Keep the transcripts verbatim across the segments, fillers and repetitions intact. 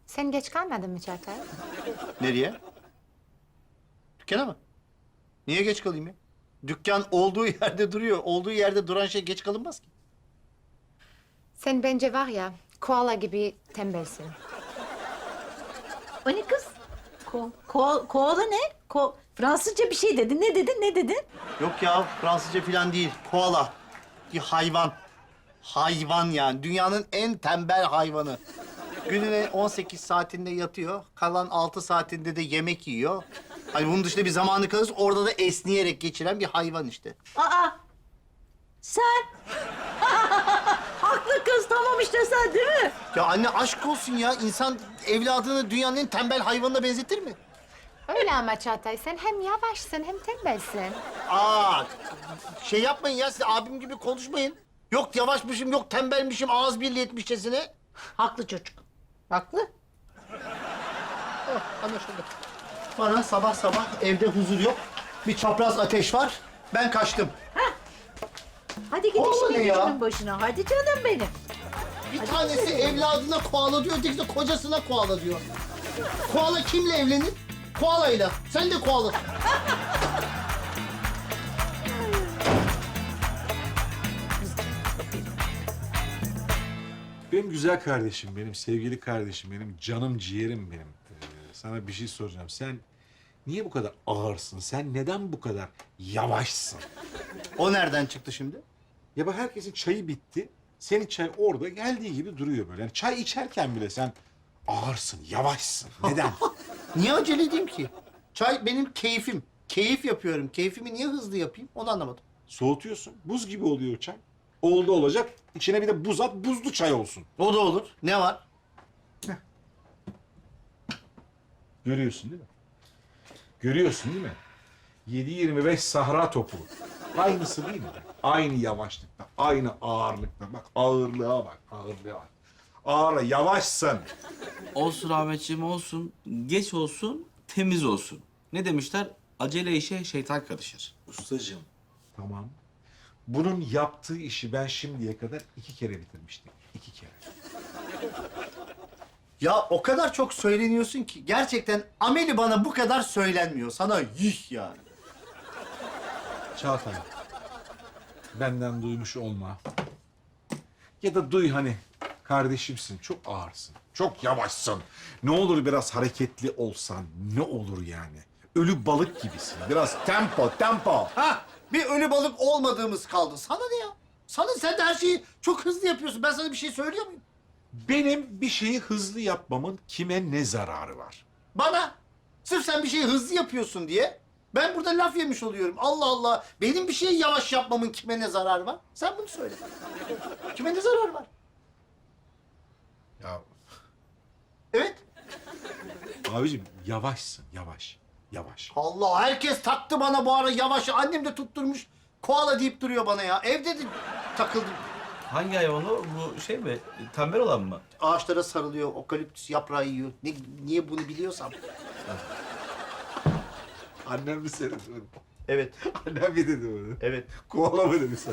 Sen geç kalmadın mı Çağatay? Nereye? Dükkana mı? Niye geç kalayım ya? Dükkan olduğu yerde duruyor. Olduğu yerde duran şey geç kalınmaz ki. Sen bence var ya, koala gibi tembelsin. O ne kız? Ko, ko, koala ne? Ko, Fransızca bir şey dedin. Ne dedin, ne dedin? Yok ya Fransızca falan değil. Koala. Bir hayvan. Hayvan yani. Dünyanın en tembel hayvanı. Gününe on sekiz saatinde yatıyor. Kalan altı saatinde de yemek yiyor. Hani bunun dışında bir zamanı kalırsa orada da esneyerek geçiren bir hayvan işte. Aa, sen. Haklı kız, tamam işte sen değil mi? Ya anne aşk olsun ya. İnsan evladını dünyanın en tembel hayvanına benzetir mi? Öyle ama Çağatay, sen hem yavaşsın hem tembelsin. Aa, şey yapmayın ya. Siz abim gibi konuşmayın. Yok yavaşmışım, yok tembelmişim, ağız birliği etmişçesine. Haklı çocuk. Haklı. Oh, anlaşıldı. Bana sabah sabah evde huzur yok. Bir çapraz ateş var. Ben kaçtım. Hadi gidin Oğlum şimdi ya. işinin başına. Hadi canım benim. Bir tanesi evladına koala diyor, öteki de kocasına koala diyor. Koala kimle evlenir? Koalayla. Sen de koalasın. Benim güzel kardeşim, benim sevgili kardeşim, benim canım ciğerim benim. Ee, sana bir şey soracağım. Sen niye bu kadar ağırsın? Sen neden bu kadar yavaşsın? O nereden çıktı şimdi? Ya bak herkesin çayı bitti. Senin çay orada geldiği gibi duruyor böyle. Yani çay içerken bile sen ağırsın, yavaşsın. Neden? Niye acele edeyim ki? Çay benim keyfim. Keyif yapıyorum. Keyfimi niye hızlı yapayım? Onu anlamadım. Soğutuyorsun. Buz gibi oluyor çay. Oldu olacak. İçine bir de buz at, buzlu çay olsun. O da olur. Ne var? Görüyorsun değil mi? Görüyorsun değil mi? yedi yirmi beş Sahra topu. Aynısı değil mi? Aynı yavaşlıkta, aynı ağırlıkta. Bak ağırlığa bak, ağırlığa bak. Ağırla, yavaşsın. Olsun Ahmetciğim olsun. Geç olsun, temiz olsun. Ne demişler? Acele işe şeytan karışır. Ustacığım, tamam. Bunun yaptığı işi ben şimdiye kadar iki kere bitirmiştim. İki kere. Ya o kadar çok söyleniyorsun ki gerçekten ameli bana bu kadar söylenmiyor. Sana yuh yani. Çağatay, benden duymuş olma. Ya da duy hani, kardeşimsin, çok ağırsın, çok yavaşsın. Ne olur biraz hareketli olsan, ne olur yani. Ölü balık gibisin, biraz tempo, tempo. Ha, bir ölü balık olmadığımız kaldı. Sana ne ya? Sana sen de her şeyi çok hızlı yapıyorsun. Ben sana bir şey söylüyor muyum? Benim bir şeyi hızlı yapmamın kime ne zararı var? Bana. Sırf sen bir şeyi hızlı yapıyorsun diye ben burada laf yemiş oluyorum. Allah Allah. Benim bir şeyi yavaş yapmamın kime ne zararı var? Sen bunu söyle. Kime ne zararı var? Ya Evet. abicim yavaşsın, yavaş, yavaş. Allah herkes taktı bana bu ara yavaş. Annem de tutturmuş. Koala deyip duruyor bana ya. Evde de takıldım. Hangi hayvan o? Bu şey mi? Tembel olan mı? Ağaçlara sarılıyor, okaliptüs yaprağı yiyor. Ne, niye bunu biliyorsam. Annem mi söyledi bunu? Evet, Annem mi dedi bunu? evet. Kovala mı dedi sana?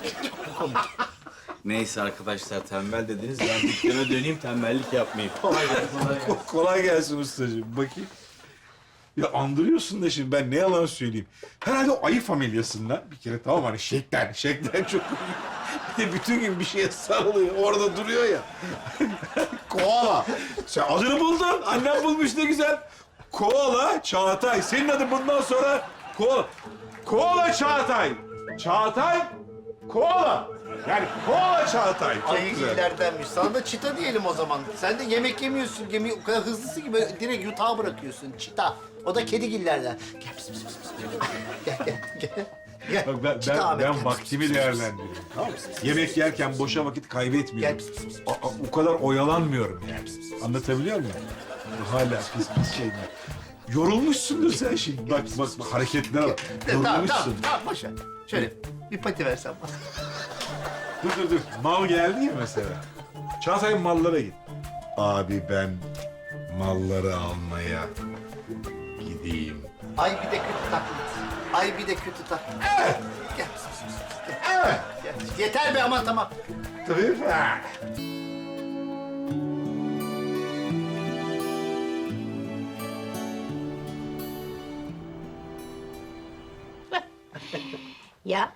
Neyse arkadaşlar tembel dediniz. Ben dükkana döneyim tembellik yapmayayım. Kolay gelsin. Ko- Kolay gelsin ustacığım. Bakayım. Ya andırıyorsun da şimdi ben ne yalan söyleyeyim. Herhalde o ayı familyasından bir kere tamam hani şeklen, şeklen çok bir de bütün gün bir şeye sarılıyor. Orada duruyor ya. Koala. Sen adını buldun. Annem bulmuş ne güzel. Koala Çağatay. Senin adın bundan sonra Koala. Koala Çağatay. Çağatay Koala. Yani Koala Çağatay. Çok Ayı güzel. iyilerdenmiş. Sana da çita diyelim o zaman. Sen de yemek yemiyorsun. Yemeği o kadar hızlısı ki böyle direkt yutağa bırakıyorsun. Çita. O da kedigillerden. Gel pis pis pis pis. Gel gel gel. Gel. Bak ben, Çita ben, Ahmet, ben gel. vaktimi değerlendiriyorum. Tamam mı? Yemek yerken boşa vakit kaybetmiyorum. Gel pis pis pis. A- a- o kadar oyalanmıyorum yani. Anlatabiliyor muyum? Hala pis pis şey mi? Yorulmuşsundur sen şimdi. Bak bak, bak hareketlere bak. Tamam tamam Yorulmuşsun. tamam boş ver. Şöyle bir pati versen bana. Dur dur dur. Mal geldi ya mesela. Çağatay'ın mallara git. Abi ben malları almaya gideyim. Ay bir de kötü taklit. Ay bir de kötü taklit. Evet. Gel pis pis pis. pis. Gel. Evet. Gel. Yeter be aman tamam. Tabii. Ha. Ya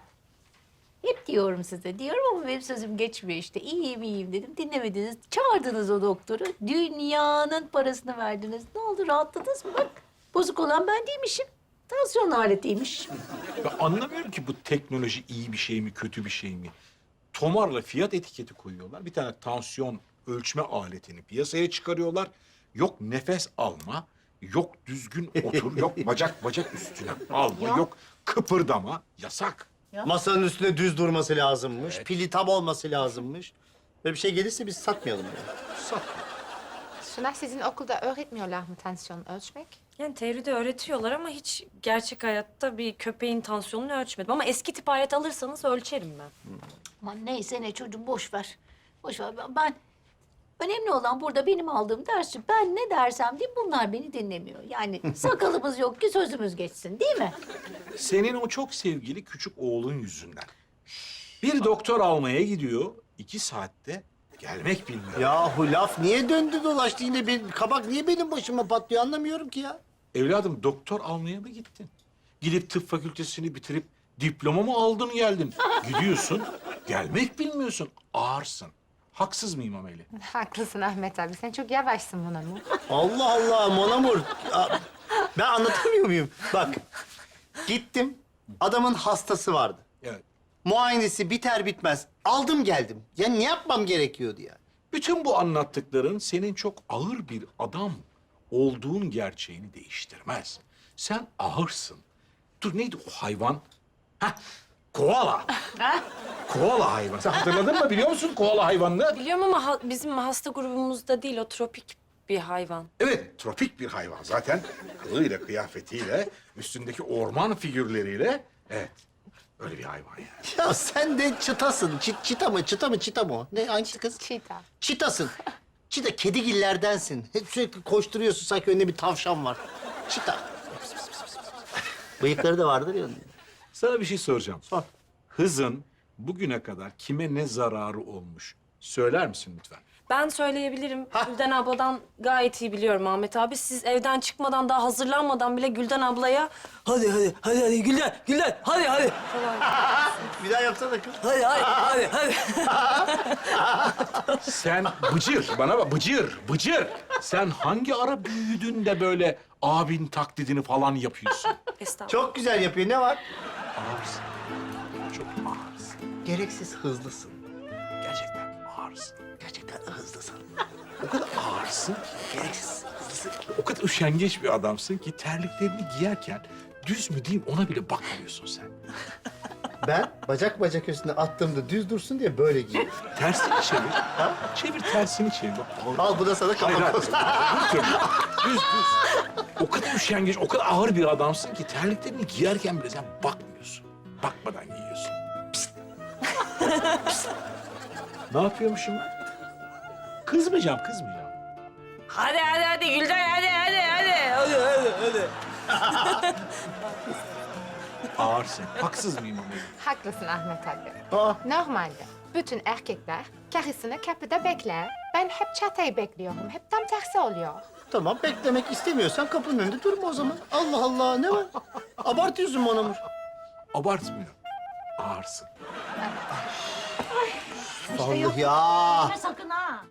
hep diyorum size, diyorum ama benim sözüm geçmiyor işte. İyiyim iyiyim dedim, dinlemediniz. Çağırdınız o doktoru, dünyanın parasını verdiniz. Ne oldu, rahatladınız mı? Bak, bozuk olan ben değilmişim. Tansiyon aletiymiş. Ben anlamıyorum ki bu teknoloji iyi bir şey mi, kötü bir şey mi? Tomarla fiyat etiketi koyuyorlar. Bir tane tansiyon ölçme aletini piyasaya çıkarıyorlar. Yok nefes alma, yok düzgün otur, yok bacak bacak üstüne alma, yok kıpırdama. Yasak. Masanın üstünde düz durması lazımmış. Pili tam olması lazımmış. Böyle bir şey gelirse biz satmayalım yani. Sat. Şuna sizin okulda öğretmiyorlar mı tansiyon ölçmek? Yani teoride öğretiyorlar ama hiç gerçek hayatta bir köpeğin tansiyonunu ölçmedim. Ama eski tip alet alırsanız ölçerim ben. Aman neyse ne çocuğum, boş ver. Boş ver. Ben- Ben, önemli olan burada benim aldığım ders. Ben ne dersem diyeyim, bunlar beni dinlemiyor. Yani sakalımız yok ki sözümüz geçsin, değil mi? Senin o çok sevgili küçük oğlun yüzünden. Bir doktor almaya gidiyor, iki saatte gelmek bilmiyor. Yahu laf niye döndü dolaştı yine? Bir kabak niye benim başıma patlıyor anlamıyorum ki ya. Evladım doktor almaya mı gittin? Gidip tıp fakültesini bitirip diploma mı aldın geldin? Gidiyorsun, gelmek bilmiyorsun, ağırsın. Haksız mıyım Ameli? Haklısın Ahmet abi. Sen çok yavaşsın buna mı? Allah Allah Monamur. Ya, ben anlatamıyor muyum? Bak gittim adamın hastası vardı. Evet. Muayenesi biter bitmez aldım geldim. Ya ne yapmam gerekiyordu ya? Bütün bu anlattıkların senin çok ağır bir adam olduğun gerçeğini değiştirmez. Sen ağırsın. Dur neydi o hayvan? Heh, koala. Koala hayvan. Sen hatırladın mı? Biliyor musun koala hayvanını? Biliyorum ama ha- bizim hasta grubumuzda değil, o tropik bir hayvan. Evet, tropik bir hayvan. Zaten kılığıyla, kıyafetiyle, üstündeki orman figürleriyle... Evet, öyle bir hayvan yani. Ya sen de çıtasın. Çit, çita mı? Çıta mı? Çita mı o? Ne? Hangisi kız? Çita. Çitasın. Çita kedigillerdensin. Hep sürekli koşturuyorsun sanki önünde bir tavşan var. Çita. Bıyıkları da vardır ya onun. Sana bir şey soracağım. Sor. Hızın bugüne kadar kime ne zararı olmuş? Söyler misin lütfen? Ben söyleyebilirim. Gülden abladan gayet iyi biliyorum Ahmet abi. Siz evden çıkmadan, daha hazırlanmadan bile Gülden ablaya Hadi hadi hadi hadi Gülden Gülden hadi hadi Bir daha yapsana kız. hadi hadi hadi hadi. Sen bıcır, bana bak bıcır, bıcır. Sen hangi ara büyüdün de böyle abin taklidini falan yapıyorsun? estağfurullah. Çok güzel yapıyor. Ne var? Ağırsın. Çok ağırsın. Gereksiz hızlısın. Gerçekten ağırsın. Gerçekten hızlısın. O kadar ağırsın ki, Gereksiz hızlısın. o kadar üşengeç bir adamsın ki terliklerini giyerken düz mü diyeyim ona bile bakmıyorsun sen. Ben bacak bacak üstüne attığımda düz dursun diye böyle giyiyorum. Tersini çevir. Ha? Çevir tersini çevir. Bak, Al bu da sana Hayır, kapak hayır. olsun. Düz çevir. Düz, düz. O kadar üşengeç, o kadar ağır bir adamsın ki terliklerini giyerken bile sen bakmıyorsun. Bakmadan giyiyorsun. Pist. Pist. Ne yapıyormuşum ben? Kızmayacağım, kızmayacağım. Hadi hadi hadi Gülden hadi hadi hadi hadi hadi hadi. Ağırsın. Haksız mıyım ama? Haklısın Ahmet abi. Aa, Normalde bütün erkekler karısını kapıda bekler. Ben hep çatayı bekliyorum. Hep tam tersi oluyor. tamam beklemek istemiyorsan kapının önünde durma o zaman. Allah Allah ne var? Abartıyorsun Monamur. Abartmıyorum. Ağırsın. Allah ya. Sakın ha.